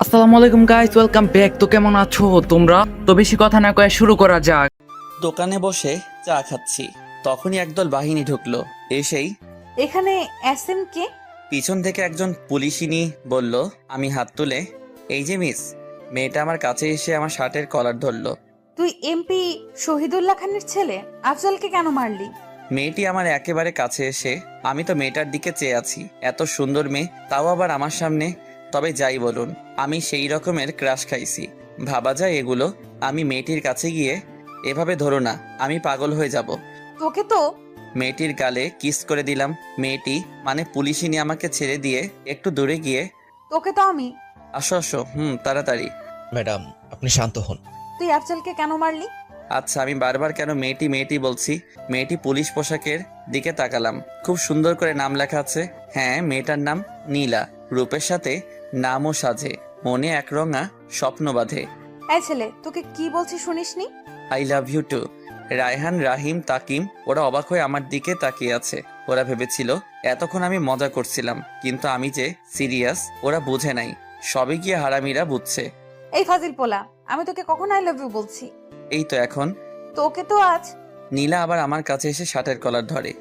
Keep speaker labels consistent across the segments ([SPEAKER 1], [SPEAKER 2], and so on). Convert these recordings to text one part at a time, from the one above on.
[SPEAKER 1] আসসালামু আলাইকুম guys, welcome back. তো কেমন আছো তোমরা? তো বেশি কথা না কয়ে শুরু করা যাক।
[SPEAKER 2] দোকানে বসে চা খাচ্ছি, তখনই একদল বাহিনী ঢুকলো। এসেই
[SPEAKER 3] এখানে এসএম কে?
[SPEAKER 2] পিছন থেকে একজন পুলিশিনী বলল। আমি হাত তুলে, এই যে মিস। মেয়েটা আমার কাছে এসে আমার শার্টের কলার ধরলো।
[SPEAKER 3] তুই এমপি শহীদুল্লাহ খানের ছেলে, আফজলকে কেন মারলি?
[SPEAKER 2] মেয়েটি আমার একেবারে কাছে এসে, আমি তো মেয়েটার দিকে চেয়ে আছি। এত সুন্দর মেয়ে, তাও আবার আমার সামনে। তবে যাই বলুন, আমি সেই রকমের ক্রাশ খাইছি। ভাবা যায় এগুলো? আমি মেয়েটির কাছে গিয়ে, এভাবে ধরো না, আমি পাগল হয়ে যাব।
[SPEAKER 3] তোকে তো
[SPEAKER 2] মেয়েটির গালে কিস করে দিলাম। মেয়েটি মানে পুলিশিনী আমাকে ছেড়ে দিয়ে একটু দূরে গিয়ে,
[SPEAKER 3] তোকে তো আমি
[SPEAKER 2] আসো আসো, তাড়াতাড়ি।
[SPEAKER 4] ম্যাডাম, আপনি শান্ত হন।
[SPEAKER 3] তুই আফজলকে কেন মারলি?
[SPEAKER 2] আচ্ছা, আমি বারবার কেন মেয়েটি মেয়েটি বলছি? মেয়েটি পুলিশ পোশাকের দিকে তাকালাম। খুব সুন্দর করে নাম লেখা আছে। হ্যাঁ, মেয়েটার নাম নীলা। রূপের সাথে নামও সাজে, মনে একরঙা স্বপ্ন বাঁধে।
[SPEAKER 3] এই ছেলে, তোকে কি বলছি শুনিসনি?
[SPEAKER 2] I love you too. Raihan, Rahim, Takim ওরা অবাক হয়ে আমার দিকে তাকিয়ে আছে। ওরা ভেবেছিল এতক্ষণ আমি মজা করছিলাম, কিন্তু আমি যে সিরিয়াস ওরা বুঝে নাই। সবে গিয়ে হারামিরা বুঝছে।
[SPEAKER 3] এই ফাজিল পোলা, আমি তোকে কখন আই লাভ ইউ বলছি?
[SPEAKER 2] এই তো এখন।
[SPEAKER 3] তোকে তো আজ
[SPEAKER 2] নীলা আবার আমার কাছে এসে শার্টের কলার ধরে।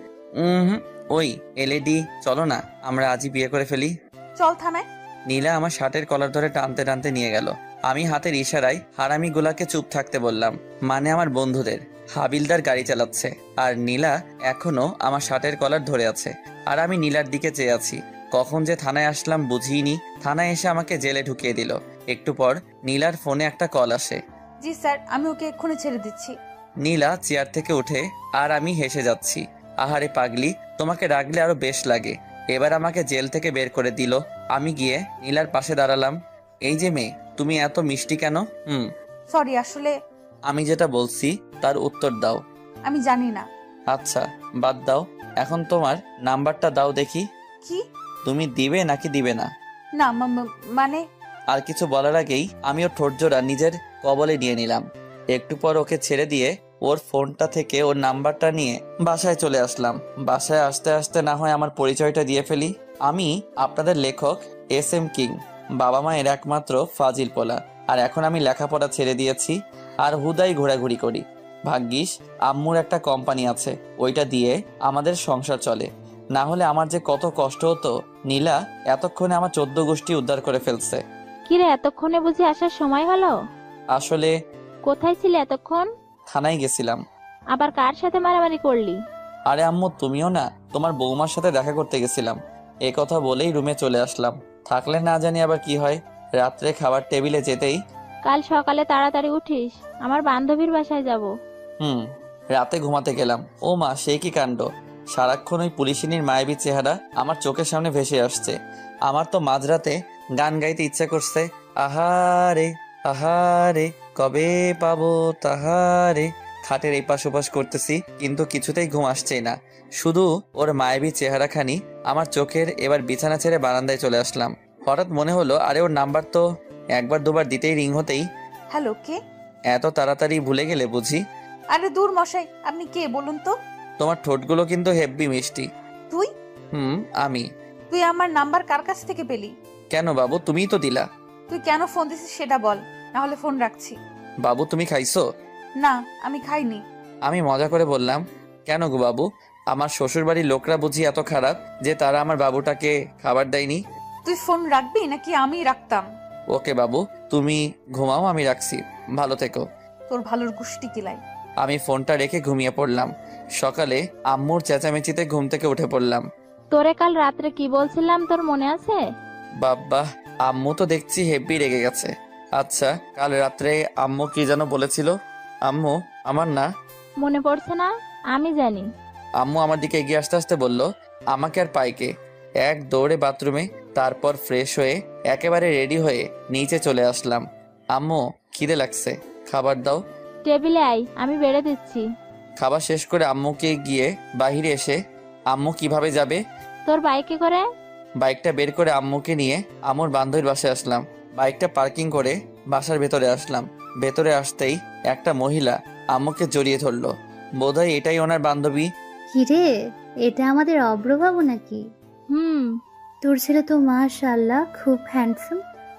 [SPEAKER 2] ওই এলএডি, চলো না আমরা আজই বিয়ে করে ফেলি।
[SPEAKER 3] চল থানায়।
[SPEAKER 2] নীলা আমার শার্টের কলার ধরে টানতে টানতে নিয়ে গেল। আমি হাতের ইশারায় হারামিগুলাকে চুপ থাকতে বললাম, মানে আমার বন্ধুদের। হাবিলদার গাড়ি চালাচ্ছে, আর নীলা এখনো আমার শার্টের কলার ধরে আছে, আর আমি নীলার দিকে চেয়ে আছি। কখন যে থানায় আসলাম বুঝিনি। থানায় এসে আমাকে জেলে ঢুকিয়ে দিল। একটু পর নীলার ফোনে একটা কল আসে।
[SPEAKER 3] জি স্যার, আমি ওকে এক্ষুনি ছেড়ে দিচ্ছি।
[SPEAKER 2] নীলা চেয়ার থেকে উঠে, আর আমি হেসে যাচ্ছি। আহারে পাগলি, তোমাকে রাখলে আরো বেশ লাগে। এবার আমাকে জেল থেকে বের করে দিল। আমি গিয়ে নীলার পাশে দাঁড়ালাম। এই যে মেয়ে, তুমি এত মিষ্টি কেন?
[SPEAKER 3] সরি, আসলে
[SPEAKER 2] আমি যেটা বলছি তার উত্তর দাও।
[SPEAKER 3] আমি জানি না।
[SPEAKER 2] আচ্ছা, বাদ দাও। এখন তোমার নাম্বারটা দাও দেখি।
[SPEAKER 3] কি?
[SPEAKER 2] তুমি দিবে নাকি দিবে না?
[SPEAKER 3] না মানে
[SPEAKER 2] আর কিছু বলার আগেই আমি ওর ঠোঁটজোড়া নিজের কবলে নিয়ে নিলাম। একটু পর ওকে ছেড়ে দিয়ে ওর ফোনটা থেকে ওর নাম্বারটা নিয়ে বাসায় চলে আসলাম। বাসায় আসতে আসতে না হয় আমার পরিচয়টা দিয়ে ফেলি। আমি আপনাদের লেখক এস এম কিং, বাবা মায়ের একমাত্র ফাজিল পোলা। আর এখন আমি লেখাপড়া ছেড়ে দিয়েছি, আর হুদাই ঘোরাঘুরি করি। ভাগ্যিস আম্মুর একটা কোম্পানি আছে, ওইটা দিয়ে আমাদের সংসার চলে। না হলে আমার যে কত কষ্ট হতো। নীলা এতক্ষণে আমার 14 গোষ্ঠী উদ্ধার করে ফেলছে।
[SPEAKER 5] কিরে, এতক্ষণে বুঝি আসার সময় হলো?
[SPEAKER 2] আসলে
[SPEAKER 5] কোথায় ছিলে এতক্ষণ?
[SPEAKER 2] থানায় গেছিলাম।
[SPEAKER 5] আবার কার সাথে মারামারি করলি?
[SPEAKER 2] আরে আম্মু, তুমিও না, তোমার বৌমার সাথে দেখা করতে গেছিলাম। এ কথা বলেই রুমে চলে আসলাম। থাকলে না জানি আবার কি হয়। রাত্রে খাবার টেবিলে যেতেই,
[SPEAKER 5] কাল সকালে তাড়াতাড়ি উঠিস, আমার বান্ধবীর বাসায় যাব।
[SPEAKER 2] রাতে ঘুমাতে গেলাম। ও মা, সে কি কাণ্ড! সারাক্ষণ ওই পুলিশিনীর মায়াবী চেহারা আমার চোখের সামনে ভেসে আসছে। আমার তো মাঝরাতে গান গাইতে ইচ্ছে করছে। আহারে আহারে, কবে পাবো তাহারে। খাটের এই পাশ ওপাশ করতেছি, কিন্তু কিছুতেই ঘুম আসছেই না। শুধু ওর মায়াবী চেহারাখানি আমার চোখের। এবার বিছানা ছেড়ে বারান্দায় চলে আসলাম। হঠাৎ মনে হলো, আরে ওর নাম্বার তো একবার দুবার দিতেই রিং হতেই।
[SPEAKER 3] হ্যালো, কে?
[SPEAKER 2] এত তাড়াতাড়ি ভুলে গেলে বুঝি?
[SPEAKER 3] আরে দূর মশাই, আপনি কে বলুন তো?
[SPEAKER 2] তোমার ঠোঁটগুলো কিন্তু হেব্বি মিষ্টি।
[SPEAKER 3] তুই
[SPEAKER 2] আমি।
[SPEAKER 3] তুই আমার নাম্বার কার কাছ থেকে পেলি?
[SPEAKER 2] কেন বাবু, তুমিই তো দিলা।
[SPEAKER 3] তুই কেন ফোন দিছিস সেটা বল, না হলে ফোন রাখছি।
[SPEAKER 2] বাবু, তুমি খাইছো?
[SPEAKER 3] না, আমি খাইনি।
[SPEAKER 2] আমি মজা করে বললাম। কেন গো বাবু, আমার শ্বশুর বাড়ির লোকরা বুঝি এত খারাপ যে তারা আমার বাবুটাকে খাবার দেয়নি?
[SPEAKER 3] তুই ফোন রাখবি নাকি আমি রাখতাম?
[SPEAKER 2] ওকে বাবু, তুমি ঘুমাও, আমি রাখছি। ভালো থেকো।
[SPEAKER 3] তোর ভালোর গুষ্টি কিলাই।
[SPEAKER 2] আমি ফোনটা রেখে ঘুমিয়ে পড়লাম। সকালে আম্মুর চেঁচামেচিতে ঘুম থেকে উঠে পড়লাম।
[SPEAKER 5] তোরে কাল রাত্রে কি বলছিলাম, তোর মনে আছে?
[SPEAKER 2] বাব্বা, আম্মু তো দেখছি হেব্বি রেগে গেছে। আচ্ছা, কাল রাত্রে আম্মু কি যেন বলেছিল? আম্মু আমার না
[SPEAKER 5] মনে পড়ছে না? আমি জানি।
[SPEAKER 2] আম্মু আমার দিকে এগিয়ে আসতে আসতে বলল, আমাকে আর পাইকে। এক দৌড়ে বাথরুমে, তারপর ফ্রেশ হয়ে একেবারে রেডি হয়ে নিচে চলে আসলাম। আম্মু, খিদে লাগছে, খাবার দাও।
[SPEAKER 5] টেবিলে আয়, আমি বেড়ে দিচ্ছি।
[SPEAKER 2] খাবার শেষ করে আম্মুকে গিয়ে বাহিরে এসে, আম্মু কিভাবে যাবে?
[SPEAKER 5] তোর বাইকে করে।
[SPEAKER 2] বাইকটা বের করে আম্মুকে নিয়ে আম্মুর বান্ধবীর বাসায় আসলাম। বাইকটা পার্কিং করে বাসার ভেতরে আসলাম। ভেতরে আসতেই একটা মহিলা আম্মুকে জড়িয়ে ধরলো। বোধহয় এটাই ওনার বান্ধবী।
[SPEAKER 6] কিরে, এটা আমাদের অব্রবাবু নাকি?
[SPEAKER 5] হুম।
[SPEAKER 6] তোর ছেলে তো মাশাআল্লাহ খুব হ্যান্ডসাম।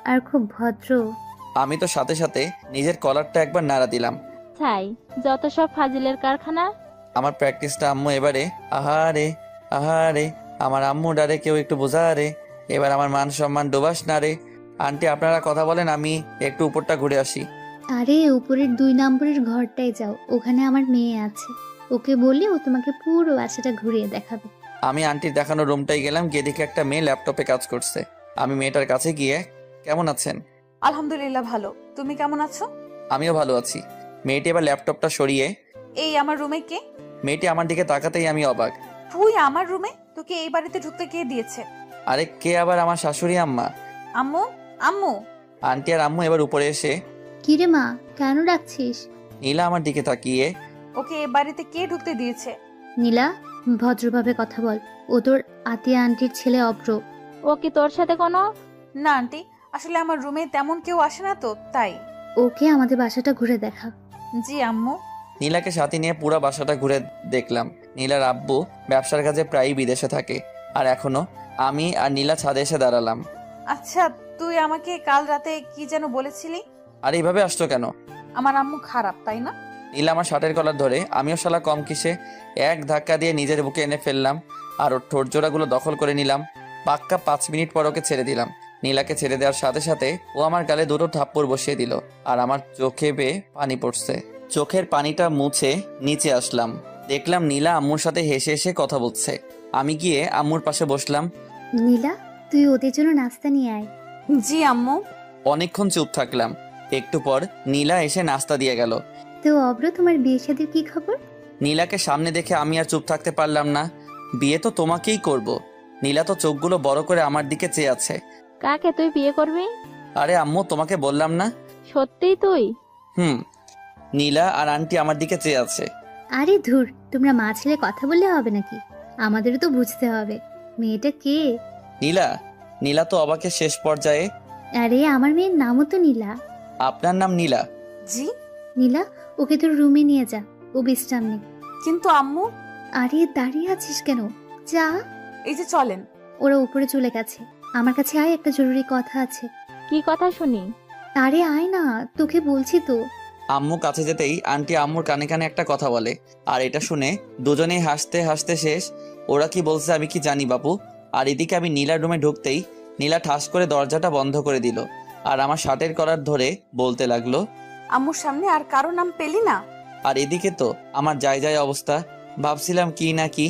[SPEAKER 6] আর খুব ভদ্র।
[SPEAKER 2] আমি তো সাথে সাথে নিজের কলারটা একবার নাড়া দিলাম।
[SPEAKER 5] ছাই, যত সব ফাজিলের কারখানা।
[SPEAKER 2] আমার প্র্যাকটিসটা আম্মু এবারে আহারে আহারে, আমার আম্মু ডারে কেউ একটু বোঝা রে, এবার আমার মান সম্মান ডোবাস না রে। আন্টি আপনারা কথা বলেন, আমি একটু উপরটা ঘুরে আসি।
[SPEAKER 6] আরে উপরের 2 নম্বরের ঘরটায় যাও, ওখানে আমার মেয়ে আছে। ওকে বললে ও তোমাকে পুরো বাসাটা ঘুরিয়ে দেখাবে।
[SPEAKER 2] আমি আন্টির দেখানো রুমটাই গেলাম, গিয়ে দেখি একটা মেয়ে ল্যাপটপে কাজ করছে। আমি মেয়েটার কাছে গিয়ে, কেমন আছেন?
[SPEAKER 3] আলহামদুলিল্লাহ ভালো, তুমি কেমন আছো?
[SPEAKER 2] আমিও ভালো আছি। মেয়েটি এবার ল্যাপটপটা সরিয়ে,
[SPEAKER 3] এই আমার রুমে কে?
[SPEAKER 2] মেয়েটি আমার দিকে তাকাতেই আমি অবাক।
[SPEAKER 3] তুই আমার রুমে? তোকে এই বাড়িতে ঢুকতে কে দিয়েছে?
[SPEAKER 2] আরে কে আবার? আমার শাশুড়ি আম্মা।
[SPEAKER 3] আম্মু? আম্মু?
[SPEAKER 2] আন্টি আর আম্মু এবার উপরে এসে,
[SPEAKER 6] কিরে মা, কেন ডাকছিস?
[SPEAKER 2] নীলা আমার দিকে তাকিয়ে,
[SPEAKER 3] ওকে এই বাড়িতে কে ঢুকতে দিয়েছে?
[SPEAKER 6] নীলা, ভদ্রভাবে কথা বল। ও তোর আতিয়া আন্টির ছেলে অব্র।
[SPEAKER 5] ও কি তোর সাথে কোনো?
[SPEAKER 3] না আন্টি, আসলে আমার রুমে তেমন কেউ আসে না তো তাই।
[SPEAKER 6] ওকে আমাদের বাসাটা ঘুরে দেখা।
[SPEAKER 3] জি আম্মু।
[SPEAKER 2] নীলাকে সাথে নিয়ে পুরো বাসাটা ঘুরে দেখলাম। নীলার আব্বু ব্যবসার কাজে প্রায়ই বিদেশে থাকে, আর এখনো আমি আর নীলা ছাদে এসে দাঁড়ালাম।
[SPEAKER 3] আচ্ছা, তুই আমাকে কাল রাতে কি যেন বলেছিলি?
[SPEAKER 2] আর এইভাবে আসছো কেন?
[SPEAKER 3] আমার আম্মু খারাপ, তাই না?
[SPEAKER 2] নীলা আমার শার্টের কলার ধরে, আমিও শালা কম কিসে এক ধাক্কা দিয়ে নিজের বুকে এনে ফেললাম, আর ওর ঠোঁট জোড়াগুলো দখল করে নিলাম। পাক্কা 5 মিনিট পর ওকে ছেড়ে দিলাম। নীলাকে ছেড়ে দেওয়ার সাথে সাথে ও আমার গালে 2টো থাপ্পড় বসিয়ে দিল, আর আমার চোখে বেয়ে পানি পড়ছে। চোখের পানিটা মুছে নিচে আসলাম, দেখলাম নীলা আম্মুর সাথে হেসে হেসে কথা বলছে। আমি গিয়ে আম্মুর পাশে বসলাম।
[SPEAKER 6] নীলা, তুই ওদের জন্য নাস্তা নিয়ে আয়।
[SPEAKER 3] জি আম্মু।
[SPEAKER 2] অনেকক্ষণ চুপ থাকলাম। একটু পর নীলা এসে নাস্তা দিয়ে গেল।
[SPEAKER 6] তো অব্র, তোমার বিয়ে শাদীর কি খবর?
[SPEAKER 2] নীলাকে সামনে দেখে আমি আর চুপ থাকতে পারলাম না। বিয়ে তো তোমাকেই করব। নীলা তো চোখগুলো বড় করে আমার দিকে চেয়ে আছে।
[SPEAKER 5] কাকে তুই বিয়ে করবি?
[SPEAKER 2] আরে আম্মু, তোমাকে বললাম না?
[SPEAKER 5] সত্যিই তুই?
[SPEAKER 2] হুম। নীলা আর আন্টি আমার দিকে চেয়ে আছে।
[SPEAKER 6] আরে ধুর, তোমরা মা ছেলে কথা বললে হবে নাকি? আমাদেরও তো বুঝতে হবে মেয়েটা কে।
[SPEAKER 2] নীলা? নীলা তো অবাকের শেষ পর্যায়ে।
[SPEAKER 6] আরে আমার মেয়ের নামও তো নীলা।
[SPEAKER 2] আপনার নাম নীলা?
[SPEAKER 3] জি।
[SPEAKER 6] নীলা, ওকে তোর রুমে নিয়ে যা, ও বিশ্রাম নে।
[SPEAKER 3] কিন্তু আম্মু।
[SPEAKER 6] আরে দাঁড়িয়ে আছিস কেন? যা।
[SPEAKER 3] এই যে চলেন।
[SPEAKER 6] ওরা উপরে চলে গেছে, আমার কাছে আয়, একটা জরুরি কথা আছে।
[SPEAKER 5] কি কথা শুনি?
[SPEAKER 6] আরে আয় না, তোকে বলছি তো।
[SPEAKER 2] আম্মু কাছে যেতেই আন্টি আম্মুর কানে কানে একটা কথা বলে, আর এটা শুনে দুজনেই হাসতে হাসতে শেষ। ওরা কি বলছে আমি কি জানি বাপু। আর এদিকে আমি নীলার রুমে ঢুকতেই নীলা ঠাস করে দরজাটা বন্ধ করে দিল, আর আমার শার্টের কলার ধরে বলতে লাগলো,
[SPEAKER 3] আম্মুর সামনে আর কারো নাম পেলি না?
[SPEAKER 2] আর এদিকে তো আমার যায় অবস্থা। ভাবছিলাম কি না কি।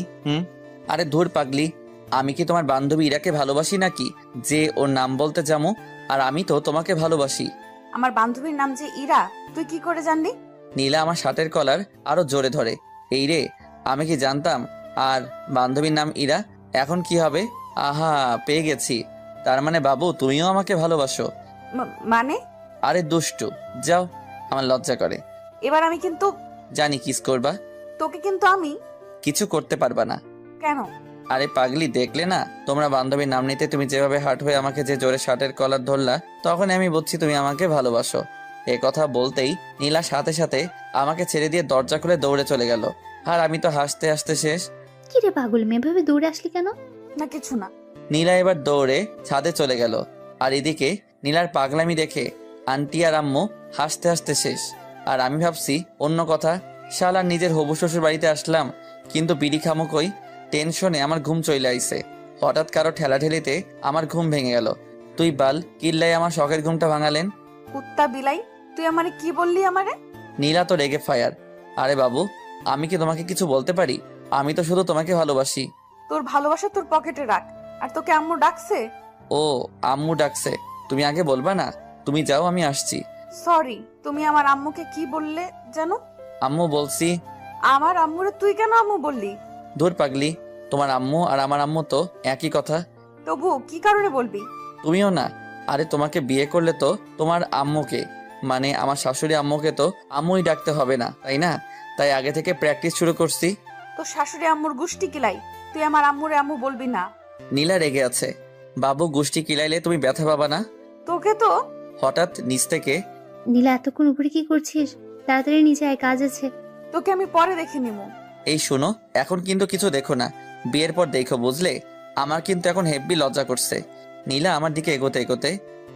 [SPEAKER 2] আরে ধুর পাগলি, আমি কি তোমার বান্ধবী ইরাকে ভালোবাসি নাকি যে ওর নাম বলতে যাবো? আর আমি তো তোমাকে ভালোবাসি।
[SPEAKER 3] আমার বান্ধবীর নাম যে ইরা, তুই কি করে জানলি?
[SPEAKER 2] নীলা আমার শার্টের কলার আরো জোরে ধরে, এই রে, আমি কি জানতাম? আর বান্ধবীর নাম ইরা, এখন কি হবে? আহা, পেয়ে গেছি। তার মানে বাবু তুমিও আমাকে ভালোবাসো?
[SPEAKER 3] মানে?
[SPEAKER 2] আরে দুষ্টু, যাও, আমার লজ্জা করে।
[SPEAKER 3] এবার আমি কিন্তু।
[SPEAKER 2] জানি কিস করবা।
[SPEAKER 3] তোকে কিন্তু আমি।
[SPEAKER 2] কিছু করতে পারবা না।
[SPEAKER 3] কেন?
[SPEAKER 2] আরে পাগলি, দেখলে না তোমরা বান্ধবীর নাম নিতে তুমি যেভাবে হার্ট হয়ে আমাকে যে জোরে শার্টের কলার ধরলা, তখন আমি বুঝছি তুমি আমাকে ভালোবাসো। এ কথা বলতেই নীলা সাথে সাথে আমাকে ছেড়ে দিয়ে দরজা খুলে দৌড়ে চলে গেল, আর আমি তো হাসতে হাসতে শেষ।
[SPEAKER 6] কি রে পাগল মেয়ে, ভাবে দৌড়ে আসলি কেন?
[SPEAKER 3] না কিছু না।
[SPEAKER 2] নীলা এবার দৌড়ে ছাদে চলে গেল, আর এদিকে নীলার পাগলামি দেখে আন্টি আর আম্মু হাসতে হাসতে শেষ। আর আমি ভাবছি অন্য কথা, শালা নিজের হবু শ্বশুর বাড়িতে আসলাম, কিন্তু বিড়ি খামুকই টেনশনে আমার ঘুম চলে আইছে। হঠাৎ কারো ঠেলাঠেলিতে আমার ঘুম ভেঙে গেল। তুই বাল কিল্লাই আমার শখের ঘুমটা ভাঙালেন।
[SPEAKER 3] কুত্তা বিলাই, তুই আমারে কি বললি আমারে?
[SPEAKER 2] নীলা তো রেগে ফায়ার। আরে বাবু, আমি কি তোমাকে কিছু বলতে পারি? আমি তো শুধু তোমাকে ভালোবাসি।
[SPEAKER 3] তোর ভালোবাসা তোর পকেটে রাখ। আর তোকে আম্মু ডাকছে?
[SPEAKER 2] ও, আম্মু ডাকছে? তুমি আগে বলবা না? তুমি যাও, আমি আসছি।
[SPEAKER 3] সরি, তুমি আমার আম্মুকে কি বললে জানো?
[SPEAKER 2] আম্মু বলছি।
[SPEAKER 3] আমার আম্মুরে তুই কেন আম্মু বললি?
[SPEAKER 2] ধুর পাগলি, তোমার আম্মু আর আমার আম্মু তো একই কথা।
[SPEAKER 3] তবু কি কারণে বলবি?
[SPEAKER 2] তুমিও না। আরে তোমাকে বিয়ে করলে তো তোমার আম্মুকে, মানে আমার শাশুড়ি আম্মুকে তো আম্মুই ডাকতে হবে না, তাই না? তাই আগে থেকে প্র্যাকটিস শুরু করছি।
[SPEAKER 3] তোর শাশুড়ি আম্মুর গুষ্টি কিলাই, তুই আমার আম্মুরে আম্মু বলবি না।
[SPEAKER 2] নীলা রেগে আছে। বাবু গোষ্ঠী কিলাইলে তুমি ব্যথা পাবা না?
[SPEAKER 3] তোকে তো।
[SPEAKER 2] হঠাৎ নিচ থেকে,
[SPEAKER 6] নীলা, এতক্ষণ উপরে কি করছিস? তাড়াতাড়ি নিচে আয়, কাজ আছে।
[SPEAKER 3] তোকে আমি পরে দেখে নিবো।
[SPEAKER 2] এই শোনো, এখন কিন্তু কিছু দেখো না, বিয়ের পর দেখো, বুঝলে? আমার কিন্তু এখন হেব্বি লজ্জা করছে। নীলা আমার দিকে এগোতে এগোতে,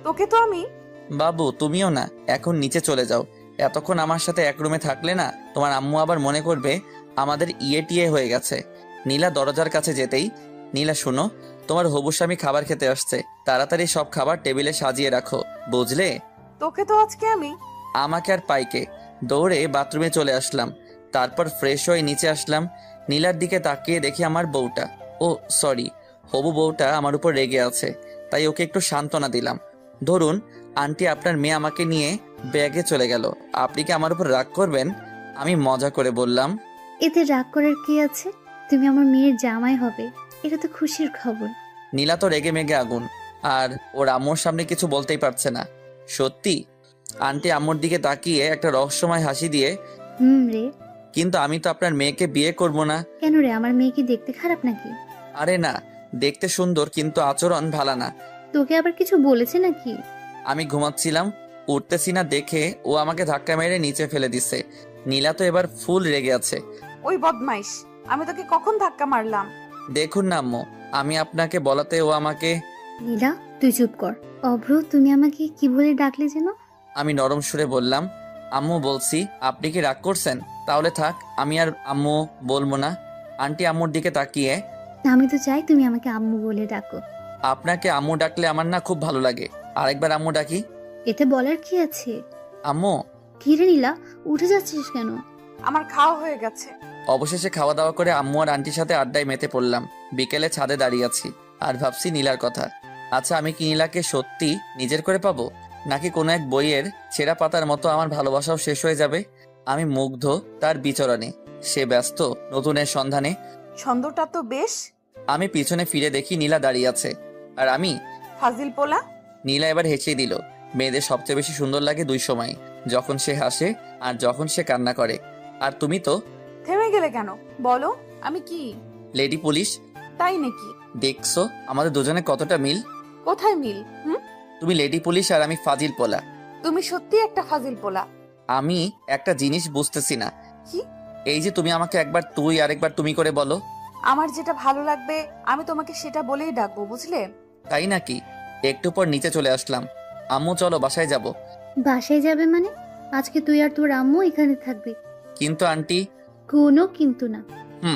[SPEAKER 3] তোকে তো আমি।
[SPEAKER 2] বাবু তুমিও না, এখন নিচে চলে যাও। এতক্ষণ আমার সাথে এক রুমে থাকলে না তোমার আম্মু আবার মনে করবে আমাদের ইয়ে টিয়ে হয়ে গেছে। নীলা দরজার কাছে যেতেই, নীলা শোনো, তোমার হবু স্বামী খাবার খেতে আসছে, তাড়াতাড়ি সব খাবার টেবিলে সাজিয়ে রাখো, বুঝলে?
[SPEAKER 3] তোকে তো আজকে আমি।
[SPEAKER 2] আমাকে আর পাইকে দৌড়ে বাথরুমে চলে আসলাম। তারপর ফ্রেশ হয়ে নিচে আসলাম। নীলার দিকে তাকিয়ে দেখি আমার বউটা, ও সরি, হবু বউটা আমার উপর রেগে আছে, তাই ওকে একটু সান্ত্বনা দিলাম। ধরুন আন্টি, আপনার মেয়ে আমাকে নিয়ে ব্যাগে চলে গেল, আপনি কি আমার উপর রাগ করবেন? আমি মজা করে বললাম।
[SPEAKER 6] এতে রাগ করার কি আছে? তুমি আমার মেয়ের জামাই হবে, এটা তো খুশির খবর।
[SPEAKER 2] নীলা তো রেগে মেগে আগুন, আর ওর আম্মুর সামনে কিছু বলতেই পারছে না। সত্যি? আন্টি আম্মুর দিকে তাকিয়ে একটা রহস্যময় হাসি দিয়ে,
[SPEAKER 6] রে।
[SPEAKER 2] কিন্তু আমি তো আপনার মেয়েকে বিয়ে করব না।
[SPEAKER 6] কেন রে, আমার মেয়ে কি দেখতে খারাপ নাকি?
[SPEAKER 2] আরে না, দেখতে সুন্দর কিন্তু আচরণ ভালো না।
[SPEAKER 6] তোকে আবার কিছু বলেছে নাকি?
[SPEAKER 2] আমি ঘুমাচ্ছিলাম, উঠতেছি না দেখে ও আমাকে ধাক্কা মেরে নিচে ফেলে দিছে। নীলা তো এবার ফুল রেগে আছে।
[SPEAKER 3] ওই বদমাইশ, আমি তোকে কখন ধাক্কা মারলাম?
[SPEAKER 2] দেখুন না আম্মু, আমি আপনাকে বলাতে ও আমাকে।
[SPEAKER 6] নীলা, তুই চুপ কর। অভ্র, তুমি আমাকে কি বলে ডাকলে যেন?
[SPEAKER 2] আমি নরম সুরে বললাম, আম্মু বলছি। আপনি কি রাগ করছেন? তাহলে থাক, আমি আর আম্মু বলবো না। আন্টি আম্মুর দিকে তাকিয়ে,
[SPEAKER 6] আমি তো চাই তুমি আমাকে আম্মু বলে ডাকো।
[SPEAKER 2] আপনাকে আম্মু ডাকলে আমার না খুব ভালো লাগে, আরেকবার আম্মু ডাকি।
[SPEAKER 6] এতে বলার কি আছে?
[SPEAKER 2] আম্মু।
[SPEAKER 6] কি রে নীলা, উঠে যাচ্ছিস কেন?
[SPEAKER 3] আমার খাওয়া হয়ে গেছে।
[SPEAKER 2] অবশেষে খাওয়া দাওয়া করে আম্মু আর আন্টির সাথে আড্ডায় মেতে পড়লাম। বিকেলে ছাদে দাঁড়িয়ে আছি আর ভাবছি নীলার কথা। আচ্ছা, আমি কি নীলাকে সত্যি নিজের করে পাবো, নাকি কোনো এক বইয়ের ছেঁড়া পাতার মতো আমার ভালোবাসাও শেষ হয়ে যাবে? আমি মুগ্ধ তার বিচরণে, সে ব্যস্ত নতুনের সন্ধানে।
[SPEAKER 3] ছন্দটা তো বেশ।
[SPEAKER 2] আমি পিছনে ফিরে দেখি নীলা দাঁড়িয়ে আছে, আর আমি।
[SPEAKER 3] ফাজিল পোলা।
[SPEAKER 2] নীলা এবার হেসে দিল। মেয়েদের সবচেয়ে বেশি সুন্দর লাগে দুই সময়, যখন সে হাসে আর যখন সে কান্না করে। আর তুমি তো
[SPEAKER 3] থেমে গেলে কেন? বলো, আমি কি?
[SPEAKER 2] Lady police.
[SPEAKER 3] তাই নাকি?
[SPEAKER 2] দেখছো আমাদের দুজনে কতটা মিল?
[SPEAKER 3] কোথায় মিল?
[SPEAKER 2] তুমি লেডি পুলিশ আর আমি ফাজিল পোলা।
[SPEAKER 3] তুমি সত্যি একটা ফাজিল পোলা।
[SPEAKER 2] আমি একটা জিনিস বুঝতেছি না।
[SPEAKER 3] কি?
[SPEAKER 2] এই যে তুমি আমাকে একবার তুই আর একবার তুমি করে বলো।
[SPEAKER 3] আমার যেটা ভালো লাগবে আমি তোমাকে সেটা বলেই ডাকবো, বুঝলে?
[SPEAKER 2] তাই নাকি? একটু পর নিচে চলে আসলাম। আম্মু চলো বাসায় যাব।
[SPEAKER 6] বাসায় যাবে মানে? আজকে তুই আর তোর আম্মু এখানে থাকবে।
[SPEAKER 2] কিন্তু আন্টি।
[SPEAKER 6] কোনো কিন্তু না।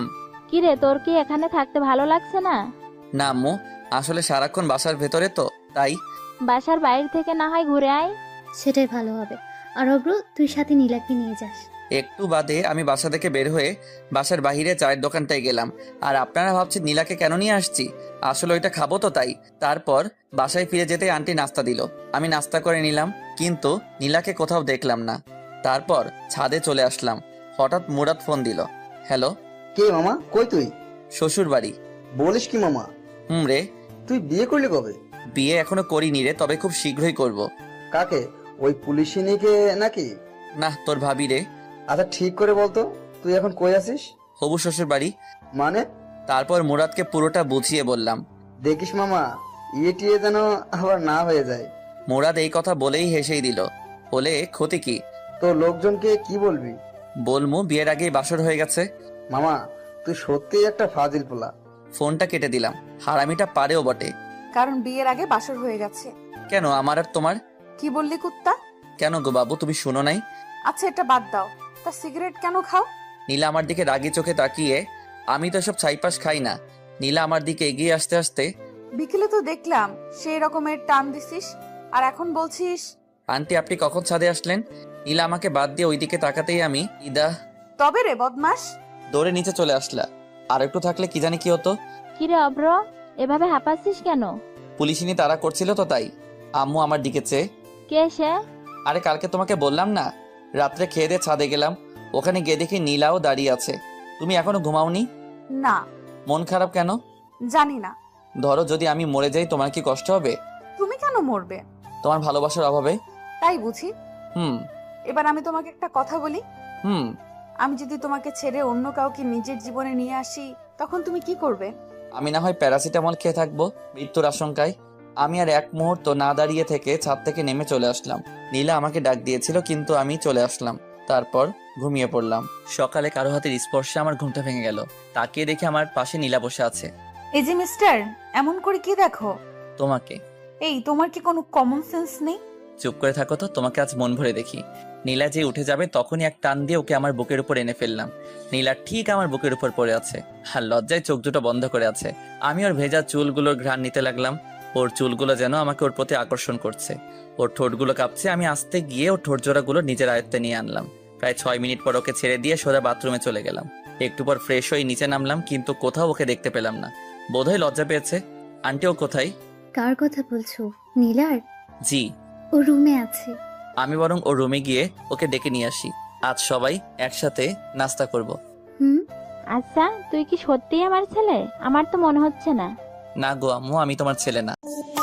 [SPEAKER 5] কি রে, তোর কি এখানে থাকতে ভালো লাগছে না?
[SPEAKER 2] না আম্মু, আসলে সারাক্ষণ বাসার ভেতরে তো, তাই।
[SPEAKER 5] বাসার বাইরে থেকে না হয় ঘুরে আয়।
[SPEAKER 6] সেটাই ভালো হবে। আর অভ্র, তুই সাথে নীলাকে নিয়ে যাস।
[SPEAKER 2] একটু বাদে আমি বাসা থেকে বের হয়ে বাসার বাহিরে চায়ের দোকানটায় গেলাম। আর আপনারা ভাবছেন নীলাকে কেন নিয়ে আসছি? আসলে ওইটা খাবো তো তাই। তারপর বাসায় ফিরে যেতে আন্টি নাস্তা দিল, আমি নাস্তা করে নিলাম, কিন্তু নীলাকে কোথাও দেখলাম না। তারপর ছাদে চলে আসলাম, হঠাৎ মুরাদ ফোন দিল। হ্যালো।
[SPEAKER 7] কে মামা, কই তুই?
[SPEAKER 2] শ্বশুর বাড়ি।
[SPEAKER 7] বলিস কি মামা,
[SPEAKER 2] রে।
[SPEAKER 7] তুই বিয়ে করলি কবে?
[SPEAKER 2] বিয়ে এখনো করিনি রে, তবে খুব শীঘ্রই করব।
[SPEAKER 7] কাকে? ওই পুলিশিনীকে নাকি?
[SPEAKER 2] না, তোর ভাবি রে।
[SPEAKER 7] আচ্ছা ঠিক করে বলতো, তুই এখন কই আছিস?
[SPEAKER 2] হবু শ্বশুর বাড়ি।
[SPEAKER 7] মানে?
[SPEAKER 2] তারপর মুরাদকে পুরোটা বুঝিয়ে বললাম।
[SPEAKER 7] দেখিস মামা, ইয়ে টিয়ে যেন আবার না হয়ে যায়।
[SPEAKER 2] মুরাদ এই কথা বলেই হেসেই দিল, বলে ক্ষতি কি?
[SPEAKER 7] তো লোকজনকে কি বলবি?
[SPEAKER 2] বলমু বিয়ের আগেই বাসর হয়ে গেছে।
[SPEAKER 7] মামা, তুই সত্যিই একটা ফাজিল পোলা।
[SPEAKER 2] ফোনটা কেটে দিলাম। হারামিটা পারেও বটে।
[SPEAKER 3] কারণ বিয়ের আগে বাসর হয়ে গেছে।
[SPEAKER 2] কেন, আমার আর তোমার?
[SPEAKER 3] কি বললি কুত্তা?
[SPEAKER 2] কেন গো বাবু, তুমি শুনো নাই?
[SPEAKER 3] আচ্ছা এটা বাদ দাও, তা সিগারেট কেন খাও?
[SPEAKER 2] নীলা আমার দিকে রাগি চোখে তাকিয়ে, আমি তো সব ছাইপাস খাই না। নীলা আমার দিকে এগিয়ে আসতে আসতে,
[SPEAKER 3] বিকেলে তো দেখলাম সেই রকমের টান দিছিস, আর এখন বলছিস?
[SPEAKER 2] আন্টি আপনি কখন ছাদে আসলেন? নীলা আমাকে বাদ দিয়ে ওইদিকে তাকাতেই আমি ইদা
[SPEAKER 3] তবে রে বদমাস।
[SPEAKER 2] দৌড়ে নিচে চলে আসলা। আর একটু থাকলে কি জানি কি হতো।
[SPEAKER 5] কি রে অভ্র, এভাবে হাঁপাচ্ছিস কেন?
[SPEAKER 2] পুলিশিনী তারা করছিল তো তাই। আম্মু আমার দিকে চেয়ে,
[SPEAKER 5] কে সে?
[SPEAKER 2] আরে কালকে তোমাকে বললাম না, রাত্রে খেয়ে দিয়ে ছাদে গেলাম, ওখানে গিয়ে দেখি নীলাও দাঁড়িয়ে আছে। তুমি এখনো ঘুমাওনি?
[SPEAKER 3] না।
[SPEAKER 2] মন খারাপ কেন?
[SPEAKER 3] জানি না।
[SPEAKER 2] ধরো যদি আমি মরে যাই, তোমার কি কষ্ট হবে?
[SPEAKER 3] তুমি কেন মরবে?
[SPEAKER 2] তোমার ভালোবাসার অভাবে।
[SPEAKER 3] তাই বুঝি।
[SPEAKER 2] হুম।
[SPEAKER 3] এবার আমি তোমাকে একটা কথা বলি।
[SPEAKER 2] হুম।
[SPEAKER 3] আমি যদি তোমাকে ছেড়ে অন্য কাউকে নিজের জীবনে নিয়ে আসি, তখন তুমি কি করবে?
[SPEAKER 2] আমি না হয় প্যারাসিটামল খেয়ে থাকবো মৃত্যুর আশঙ্কায়। আমি আর এক মুহূর্ত না দাঁড়িয়ে থেকে ছাদ থেকে নেমে চলে আসলাম। নীলা আমাকে ডাক দিয়েছিল, কিন্তু আমি চলে আসলাম। তারপর ঘুমিয়ে পড়লাম। সকালে কারো হাতের স্পর্শে আমার ঘুমটা ভেঙে গেল। তাকিয়ে দেখি আমার পাশে নীলা বসে আছে।
[SPEAKER 3] এই যে মিস্টার, এমন করে কি দেখো?
[SPEAKER 2] তোমাকে।
[SPEAKER 3] এই তোমার কি কোনো কমন সেন্স নেই?
[SPEAKER 2] চুপ করে থাকো তো, তোমাকে আজ মন ভরে দেখি। নীলা যে উঠে যাবে তখনই এক টান দিয়ে ওকে আমার বুকের উপর এনে ফেললাম। নীলা ঠিক আমার বুকের উপর পড়ে আছে, আর লজ্জায় চোখ দুটো বন্ধ করে আছে। আমি ওর ভেজা চুলগুলোর ঘ্রাণ নিতে লাগলাম। ওর চুলগুলো যেন আমাকে ওর প্রতি আকর্ষণ করছে। ওর ঠোঁটগুলো কাঁপছে। আমি আস্তে গিয়ে ওর ঠোঁট জোড়াগুলো নিজের আয়ত্তে নিয়ে আনলাম। প্রায় 6 মিনিট পর ওকে ছেড়ে দিয়ে সোজা বাথরুমে চলে গেলাম। একটু পর ফ্রেশ হয়ে নিচে নামলাম, কিন্তু কোথাও ওকে দেখতে পেলাম না। বোধহয় লজ্জা পেয়েছে। আন্টি ও কোথায়?
[SPEAKER 6] কার কথা বলছো? নীলার?
[SPEAKER 2] জি।
[SPEAKER 6] ও রুমে আছে।
[SPEAKER 2] আমি বরং ওর রুমে গিয়ে ওকে ডেকে নিয়ে আসি। আজ সবাই একসাথে নাস্তা করব।
[SPEAKER 6] হুম।
[SPEAKER 5] আচ্ছা, তুই কি সত্যিই আমার ছেলে? আমার তো মনে হচ্ছে না।
[SPEAKER 2] না গো আম্মু, আমি তোমার ছেলে না।